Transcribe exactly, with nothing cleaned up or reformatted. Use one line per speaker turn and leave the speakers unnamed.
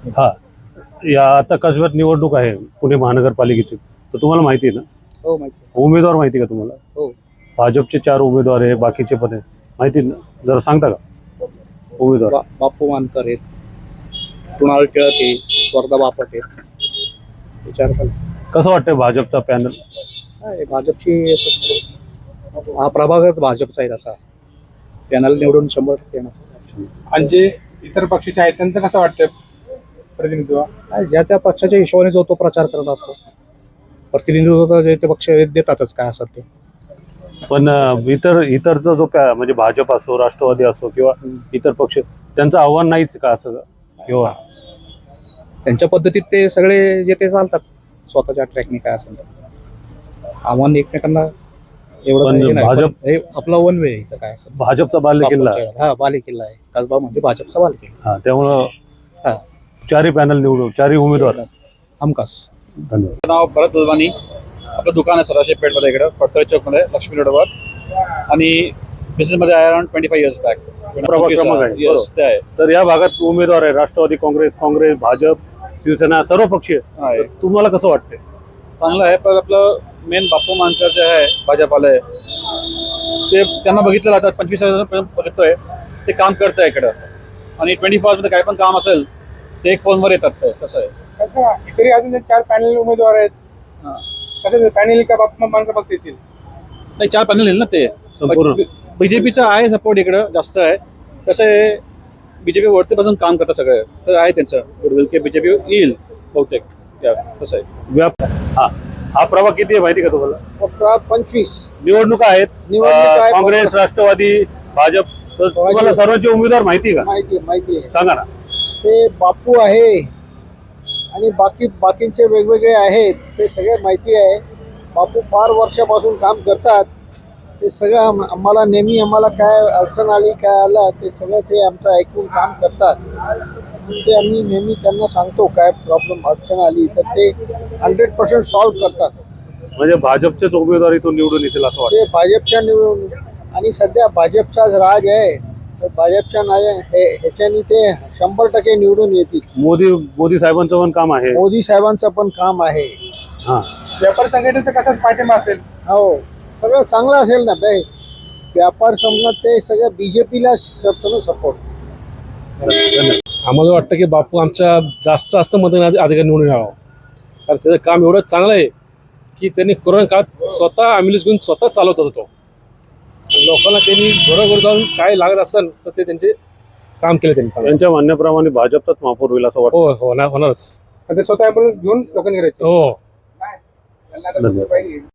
हा, या आता कसब्यात निवडणूक आहे पुणे महानगरपालिकेची, तर तुम्हाला माहिती आहे ना?
हो माहिती आहे.
उमेदवार माहिती का तुम्हाला?
हो.
भाजपचे चार उमेदवार आहे, बाकीचे पण आहे, माहिती आहे ना? जरा सांगता का उमेदवार?
बा- बापू मानकर आहेत, कुणाल टिळक आहे, स्वर्धा बापट आहेत. विचार करा.
कसं वाटतंय भाजपचा पॅनल?
काय भाजपची असं- हा प्रभागच भाजपचा आहे तसा. पॅनल निवडून शंभर टक्के येणार.
आणि जे इतर पक्षाचे आहेत त्यांचं कसं वाटतं प्रतिनिधित्व?
काय ज्या त्या पक्षाच्या हिशोबाने जो तो प्रचार करत असतो. प्रतिनिधित्व तर जे ते पक्ष देतातच काय असेल ते.
पण अं, इतर इतरचा जो पॅ- म्हणजे भाजप असो, राष्ट्रवादी असो किंवा इतर पक्ष, त्यांचं आव्हान नाहीच का असं? किंवा
त्यांच्या पद्धतीत ते सगळे जे ते चालतात स्वतःच्या ट्रॅकने काय असेल तर. आव्हान एकमेकांना एवढं
पण
काही हे नाही.
भाजप-
पण हे आपला वन वे इथं काय असेल.
भाजपचा बाल्य किल्ला
हा बाले किल्ला आहे कसबा म्हणजे भाजपचा बाले किल्ला.
हा, त्यामुळं
हा
चारही पॅनल निवडू, चारही उमेदवार.
हमखास.
धन्यवाद.
नाव भरत दुधवानी. आपलं दुकान आहे सराशी पेठमध्ये इकडं फडतळे चौकमध्ये लक्ष्मी रोडवर. आणि बिझनेसमध्ये आहे around twenty five years back.
प्रभाग क्रमांक आहे.
येस ते आहे.
तर या भागात उमेदवार आहे राष्ट्रवादी काँग्रेस, काँग्रेस, भाजप, शिवसेना, सर्व पक्षीय.
आहे.
तर तुम्हाला कसं वाटतंय?
चांगलं आहे, पण आपलं मेन बापू मानकर जे आहे भाजपाला ते त्यांना बघितलं जातात पंचवीस वर्षापर्यंत बघतोय ते काम करत आहे इकडं. आणि ट्वेंटी फोर मध्ये काय पण काम असेल ते एक फोनवर येतात. ते कसं आहे
कसं इतरही अजून जे चार पॅनल उमेदवार आहेत,
हां.
कसं पॅनल का बाप्पा मानकर फक्त येतील?
नाही, चार पॅनल येईल ना ते.
संपूर्ण
बीजेपीचा आहे सपोर्ट इकडं जास्त आहे. कसं आहे बीजेपी वरतीपासून काम करतात सगळे, तर आहे त्यांचं गुडविल की बीजेपी येईल बहुतेक. या, तसं आहे.
व्याप हा हा प्रभाग किती आहे माहिती का तुम्हाला?
पंचवीस
निवडणुका आहेत.
निवडणूक आहे.
अं, काँग्रेस, राष्ट्रवादी, भाजप, तर तुम्हाला सर्वांची उमेदवार माहिती का?
माहिती माहिती आहे.
सांगा ना.
ते बापू आहे आणि बाकी बाकींचे वेगवेगळे आहेत ते सगळे माहिती आहे. बापू फार वर्षापासून काम करतात. ते सगळं आम- आम्हाला नेहमी आम्हाला काय अडचण आली काय आलं ते सगळं ते आमचं ऐकून काम करतात. ते आम्ही नेहमी त्यांना सांगतो काय प्रॉब्लेम अडचण आली तर ते हंड्रेड पर्सेंट सॉल्व्ह करतात.
म्हणजे भाजपचेच उमेदवार इथून निवडून येतील असं वाटतं?
ते भाजपच्या निवडून आणि सध्या भाजपचाच राज आहे तर भाजपच्या नाय हे ह्याच्यानी ते शंभर टक्के निवडून येतील.
मोदी मोदी साहेबांचं पण काम आहे.
मोदी साहेबांचं पण काम आहे.
हा,
व्यापार संघटनेचा कसाच पाठिंबा असेल?
हो सगळं चांगलं असेल ना बाई. व्यापार समजत ते सगळं बीजेपीलाच करतो ना सपोर्ट.
आम्हाला वाटतं की बापू आमच्या जास्त जास्त मतदान अधिकारी निवडून यावं, कारण त्याचं काम एवढं चांगलं आहे की त्यांनी कोरोना काळात स्वतः ॲम्ब्युलन्स घेऊन स्वतः चालवत होतो. लोकांना त्यांनी घरोघर जाऊन काय लागत असेल तर ते त्यांचे काम केले त्यांनी चांगलं.
त्यांच्या म्हणण्याप्रमाणे भाजपचाच महापौर होईल असं वाटतं.
हो होणार होणारच.
ते स्वतः ॲम्ब्युलन्स घेऊन लोकांनी करायचे.
हो.
धन्यवाद.